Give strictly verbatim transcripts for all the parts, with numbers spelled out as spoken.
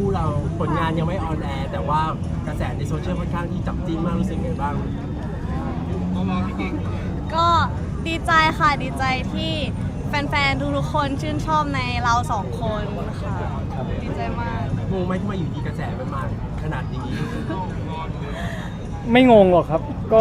คู่เราผลงานยังไม่ออนแอร์แต่ว่ากระแสในโซเชียลค่อนข้างที่จับจิ้นมากรู้สึกไงบ้างก็ดีใจค่ะดีใจที่แฟนๆทุกๆคนชื่นชอบในเราสองคนค่ะดีใจมากงงไหมที่มาอยู่ดีกระแสมันมาขนาดนี้ไม่งงหรอกครับก็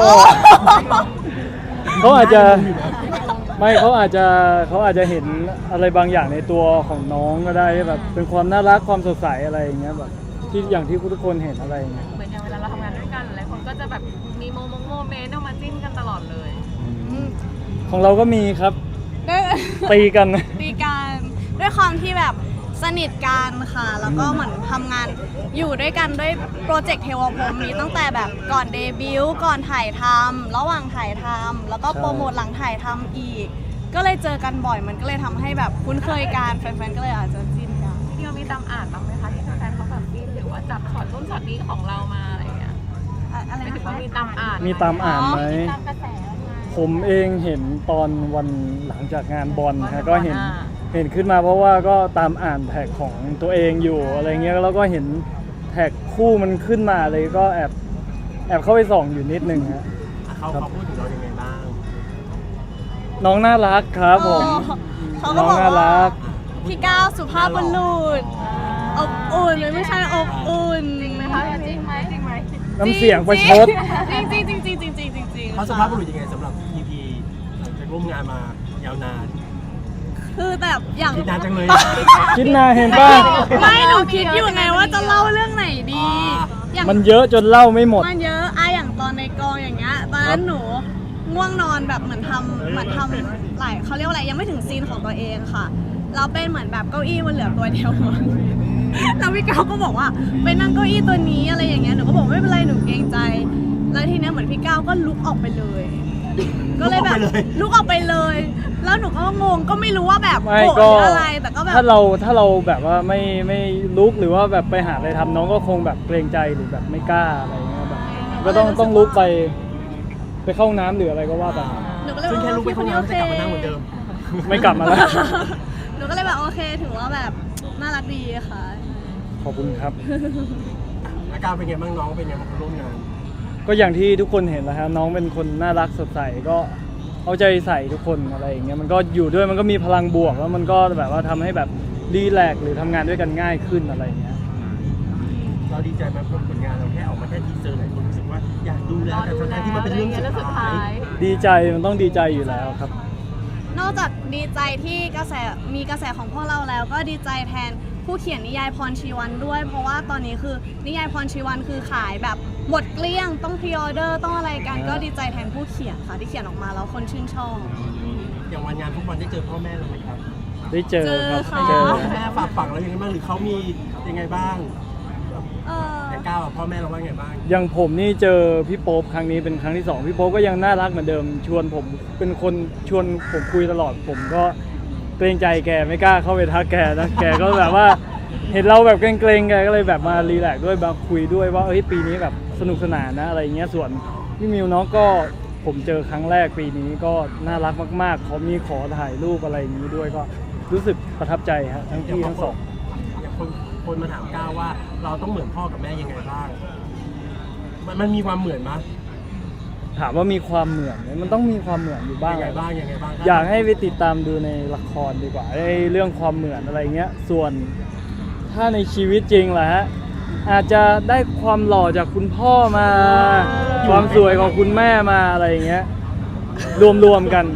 เขาอาจจะไม่เขาอาจจะเขาอาจจะเห็นอะไรบางอย่างในตัวของน้องก็ได้แบบเป็นความน่ารักความสดใสอะไรอย่างเงี้ยแบบที่อย่างที่ทุกคนเห็นอะไรอย่างเงี้ยเหมือนอย่างเวลาเราทำงานด้วยกันหลายคนก็จะแบบมีโมโมเมนต์ออกมาจิ้นกันตลอดเลยของเราก็มีครับตีกันตีกันด้วยความที่แบบสนิทกันค่ะแล้วก็เหมือนทำงานอยู่ด้วยกันด้วยโปรเจกต์เทวพรหมนี้ตั้งแต่แบบก่อนเดบิวต์ก่อนถ่ายทำระหว่างถ่ายทำแล้วก็โปรโมทหลังถ่ายทำอีกก็เลยเจอกันบ่อยมันก็เลยทำให้แบบคุ้นเคยกันแฟนๆก็เลยอาจจะจิ้นกันพี่เรามีตามอ่านบ้างไหมคะที่แฟนๆเขาแบบจิ้นหรือว่าจับช็อตรุ่นช็อตนี้ของเรามาอะไรอย่างเงี้ยอะไรไม่ถึงนะคะว่ามีตามอ่านมีตามอ่านไหมตามกระแสผมเองเห็นตอนวันหลังจากงานบอลฮะก็เห็นเห็นขึ้นมาเพราะว่าก็ตามอ่านแท็กของตัวเองอยู่อะไรเงี้ยแล้วก็เห็นแท็กคู่มันขึ้นมาเลยก็แอบแอบเข้าไปส่องอยู่นิดนึงฮะเขาเขาพูดถึงเรายังไงบ้างน้องน่ารักครับผมเขาก็บอกว่าพี่ก้าวสุภาพบุรุษอบอุ่นไม่ใช่อบอุ่นจริงไหมคะจริงไหมจริงไหมน้ำเสียงประชดจริงจริงจริงจริงจริงจริงจริงจริงเขาสุภาพบุรุษยังไงสำหรับพีพีหลังจากร่วมงานมายาวนานคือแบบอย่างคิดนานจังเลยคิดนานเห็นป่ะไม่หนูคิดอยู่ไงว่าจะเล่าเรื่องไหนดีมันเยอะจนเล่าไม่หมดมันเยอะอะอย่างตอนในกองอย่างเงี้ยตอนนั้นหนูง่วงนอนแบบเหมือนทำเหมือนทำหลายเขาเรียกว่าอะไรยังไม่ถึงซีนของตัวเองค่ะเราเป็นเหมือนแบบเก้าอี้มันเหลือตัวเดียวแล้วพี่ก้าวก็บอกว่าไปนั่งเก้าอี้ตัวนี้อะไรอย่างเงี้ยหนูก็บอกไม่เป็นไรหนูเกรงใจแล้วทีนี้เหมือนพี่ก้าวก็ลุกออกไปเลยก็เลยแบบลุกออกไปเลยแล้วหนูก็งงก็ไม่รู้ว่าแบบโกรธหรืออะไรแต่ก็แบบถ้าเราถ้าเราแบบว่าไม่ไม่ลุกหรือว่าแบบไปหาอะไรทำน้องก็คงแบบเกรงใจหรือแบบไม่กล้าอะไรเงี้ยแบบก็ต้องต้องลุกไปไปเข้าน้ำหรืออะไรก็ว่าไปซึ่งแค่ลุกไปเข้าน้ำจะกลับมานั่งเหมือนเดิมไม่กลับมาแล้วหนูก็เลยแบบโอเคถือว่าแบบน่ารักดีค่ะขอบคุณครับอาการเป็นไงบ้างน้องเป็นไงบ้างร่วมงานก็อย่างที่ทุกคนเห็นแล้วครับน้องเป็นคนน่ารักสดใสก็เอาใจใส่ทุกคนอะไรอย่างเงี้ยมันก็อยู่ด้วยมันก็มีพลังบวกแล้วมันก็แบบว่าทำให้แบบรีแลกซ์หรือทำงานด้วยกันง่ายขึ้นอะไรอย่างเงี้ยเราดีใจไหมเพราะผลงานเราแค่ออกมาแค่ทีเซอร์หลายคนรู้สึกว่าอยากดูแล้วแต่ทั้งที่มันเป็นเรื่องสุดท้ายดีใจมันต้องดีใจอยู่แล้วครับนอกจากดีใจที่กระแสมีกระแสของพวกเราแล้วก็ดีใจแทนผู้เขียนนิยายพรชีวันด้วยเพราะว่าตอนนี้คือนิยายพรชีวันคือขายแบบหมดเกลี้ยงต้องพรีออเดอร์ต้องอะไรกันก็ดีใจแทนผู้เขียนค่ะที่เขียนออกมาแล้วคนชื่นชอบอย่างวันงานทุกวันได้เจอพ่อแม่เราไหมครับได้เจอครับเจอแม่ฝากฝังแล้วยังไงบ้างหรือเขามียังไงบ้างแต่ก้าวพ่อแม่เราว่าไงบ้างอย่างผมนี่เจอพี่โป๊ปครั้งนี้เป็นครั้งที่สองพี่โป๊ปก็ยังน่ารักเหมือนเดิมชวนผมเป็นคนชวนผมคุยตลอดผมก็เกรงใจแกไม่กล้าเข้าไปทักแกนะแกก็แบบว่าเห็นเราแบบเกรงๆแกก็เลยแบบมารีแลกซ์ด้วยมาคุยด้วยว่าเฮ้ยปีนี้แบบสนุกสนานนะอะไรเงี้ยส่วนพี่มิวน้องก็ผมเจอครั้งแรกปีนี้ก็น่ารักมากๆเขามีขอถ่ายรูปอะไรอย่างนี้ด้วยก็รู้สึกประทับใจฮะทั้งที่ทั้งสองอย่างคนคนมาถามก้าวว่าเราต้องเหมือนพ่อกับแม่ยังไงบ้างมันมันมีความเหมือนมั้ยถามว่ามีความเหมือนไหมมันต้องมีความเหมือนอยู่บ้างยังไงบ้างยังไงบ้างอยากให้ไปติดตามดูในละครดีกว่าไอ้เรื่องความเหมือนอะไรเงี้ยส่วนถ้าในชีวิตจริงแหละฮะอาจจะได้ความหล่อจากคุณพ่อมาความสวยของคุณแม่มาอะไรเงี้ยรวมๆกัน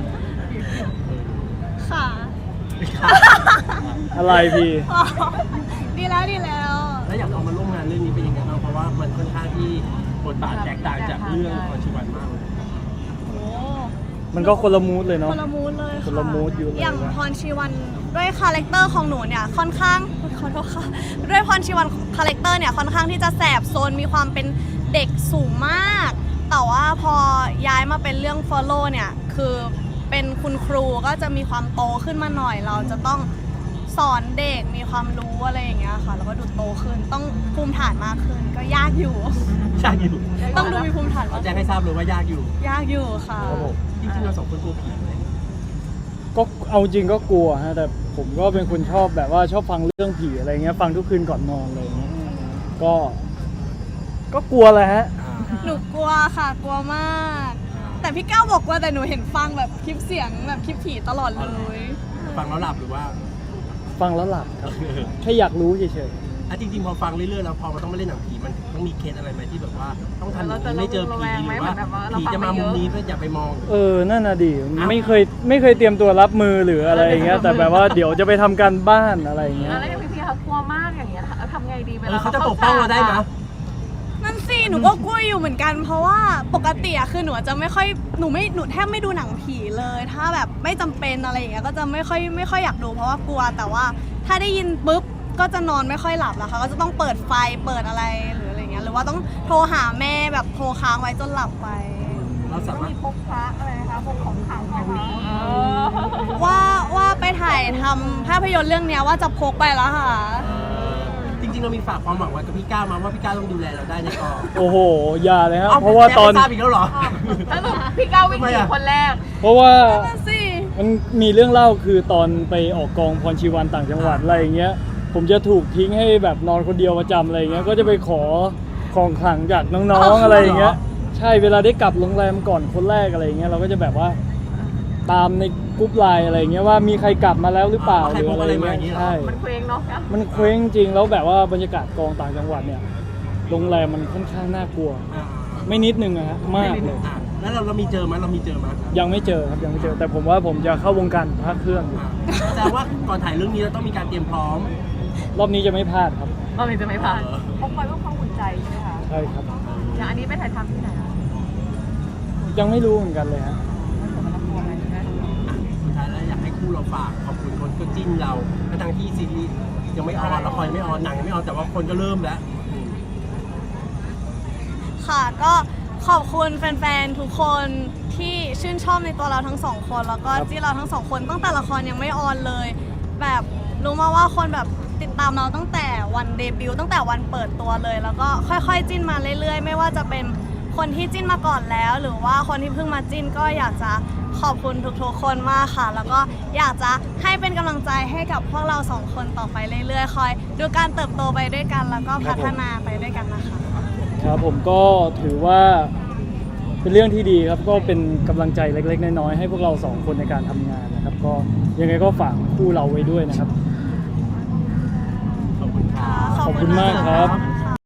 ค่ะอะไรพี่ดีแล้วดีแล้วแล้วอยากเอามาร่วมงานเรื่องนี้เป็นยังไงบ้างเพราะว่ามันค่อนข้างที่บทบาทแตกต่างจากเรื่องพรชีวันมากเลยมันก็คนละมูดเลยเนาะคนละมูดเลยคนละมูดอยู่เลยอย่างพรชีวันด้วยคาแรคเตอร์ของหนูเนี่ยค่อนข้างขอโทษค่ะด้วยพรชีวันคาแรคเตอร์เนี่ยค่อนข้างที่จะแสบโซนมีความเป็นเด็กสูงมากแต่ว่าพอย้ายมาเป็นเรื่อง Follow เนี่ยคือเป็นคุณครูก็จะมีความโตขึ้นมาหน่อยเราจะต้องสอนเด็กมีความรู้อะไรอย่างเงี้ยค่ะแล้วก็ดูโตขึ้นต้องภูมิฐานมากขึ้นก็ยากอยู่ยากอยู่ต้องดูมีภูมิฐานแจ้งให้ทราบเลยว่ายากอยู่ยากอยู่ค่ะจริงๆเราสองคนกลัวผีไหมก็เอาจริงก็กลัวฮะแต่ผมก็เป็นคนชอบแบบว่าชอบฟังเรื่องผีอะไรเงี้ยฟังทุกคืนก่อนนอนอะไรเงี้ยก็ ก็กลัวแหละฮะหนูกลัวค่ะกลัวมาก แต่พี่ก้าวบอกว่าแต่หนูเห็นฟังแบบคลิปเสียงแบบคลิปผีตลอดเลยฟังแล้วหลับหรือว่าฟังแล้วหลับครับแค่อยากรู้เฉยอ่ะจริงๆพอฟังเรื่อยๆแล้วพอมันต้องมาเล่นหนังผีมันต้องมีเคสอะไรไหมที่แบบว่าต้องทำอย่างนี้ไม่เจอผีหรือว่าผีจะมามุมนี้เพื่ออย่าไปมองๆเออนั่นน่ะดิไม่เคยไม่เคยเตรียมตัวรับมือหรืออะไรอย่างเงี้ยแต่แบบว่าเดี๋ยวจะไปทำการบ้านอะไรอย่างเงี้ยแล้วอย่างพี่ๆเขากลัวมากอย่างเงี้ยทำไงดีเวเอลาอเขาจะปกป้องเราได้ไหมนั่นสิหนูก็กลัวอยู่เหมือนกัน เพราะว่าปกติอะคือหนูจะไม่ค่อยหนูไม่หนูแทบไม่ดูหนังผีเลย ถ้าแบบไม่จำเป็นอะไรอย่างเงี้ยก็จะไม่ค่อยไม่ค่อยอยากดูเพราะว่ากลัวแต่ว่าถ้าได้ยินปุ๊บก็จะนอนไม่ค่อยหลับแล้วค่ะก็จะต้องเปิดไฟเปิดอะไรหรืออะไรเงี้ยหรือว่าต้องโทรหาแม่แบบโทรค้างไว้จนหลับไปเราสามารถมีพกพระอะไรนะคะพกของขลังของนี้ว่าว่าไปถ่ายทำภาพยนตร์เรื่องเนี้ยว่าจะพกไปแล้วค่ะจริงๆเรามีฝากความหวังไว้กับพี่ก้าวมาว่าพี่ก้าวต้องดูแลเราได้ในกองโอ้โหอย่าเลยครับเพราะว่าตอนแม่ไม่ทราบอีกแล้วเหรอสรุปพี่ก้าววิ่งหนีคนแรกเพราะว่านั่นสิมันมีเรื่องเล่าคือตอนไปออกกองพรชีวันต่างจังหวัดอะไรอย่างเงี้ยผมจะถูกทิ้งให้แบบนอนคนเดียวประจำอะไรอย่างเงี้ยก็จะไปขอของขลังจากน้องๆอะไรอย่างเงี้ยใช่เวลาได้กลับโรงแรมก่อนคนแรกอะไรอย่างเงี้ยเราก็จะแบบว่าตามในกรุ๊ปไลน์อะไรอย่างเงี้ยว่ามีใครกลับมาแล้วหรือเปล่าหรืออะไรเงี้ยใช่มันเคว้งเนาะมันเคว้งจริงแล้วแบบว่าบรรยากาศกองต่างจังหวัดเนี่ยโรงแรมมันค่อนข้างน่ากลัวอ่าไม่นิดนึงอะฮะมากเลยอ่ะแล้วเราเรามีเจอไหมเรามีเจอไหมยังไม่เจอครับยังไม่เจอแต่ผมว่าผมจะเข้าวงการพระเครื่องอยู่อ่ะแต่ว่าก่อนถ่ายเรื่องนี้เราต้องมีการเตรียมพร้อมรอบนี้จะไม่พลาดครับเราจะไม่ผ่านพกไว้เพื่อความอุ่นใจใช่ไหมคะใช่ครับอย่างอันนี้ไปถ่ายทำที่ไหนคะยังไม่รู้เหมือนกันเลยฮะมันกลัวอะไรใช่ไหมสุดท้ายแล้วอยากให้คู่เราฝากขอบคุณคนก็จิ้นเราและทางที่ซีรีส์ยังไม่ออนละครยังไม่ออนหนังยังไม่ออนแต่ว่าคนก็เริ่มแล้วอืมค่ะก็ขอบคุณแฟนๆทุกคนที่ชื่นชอบในตัวเราทั้งสองคนแล้วก็ครับที่เราทั้งสองคนตั้งแต่ละครยังไม่ออนเลย แบบรู้มาว่าคนแบบติดตามเราตั้งแต่วันเดบิวต์ตั้งแต่วันเปิดตัวเลย แล้วก็ค่อยๆจิ้นมาเรื่อยๆ ไม่ว่าจะเป็นคนที่จิ้นมาก่อนแล้ว หรือว่าคนที่เพิ่งมาจิ้นก็อยากจะขอบคุณทุกๆคนมากค่ะ แล้วก็อยากจะให้เป็นกำลังใจให้กับพวกเราสองคนต่อไปเรื่อยๆคอยดูการเติบโตไปด้วยกัน แล้วก็พัฒนาไปด้วยกันนะคะครับผมก็ถือว่าเป็นเรื่องที่ดีครับก็เป็นกำลังใจเล็กๆน้อยๆให้พวกเราสองคนในการทำงานนะครับ ก็ยังไงก็ฝากคู่เราไว้ด้วยนะครับขอบคุณครับขอบคุณมากครับ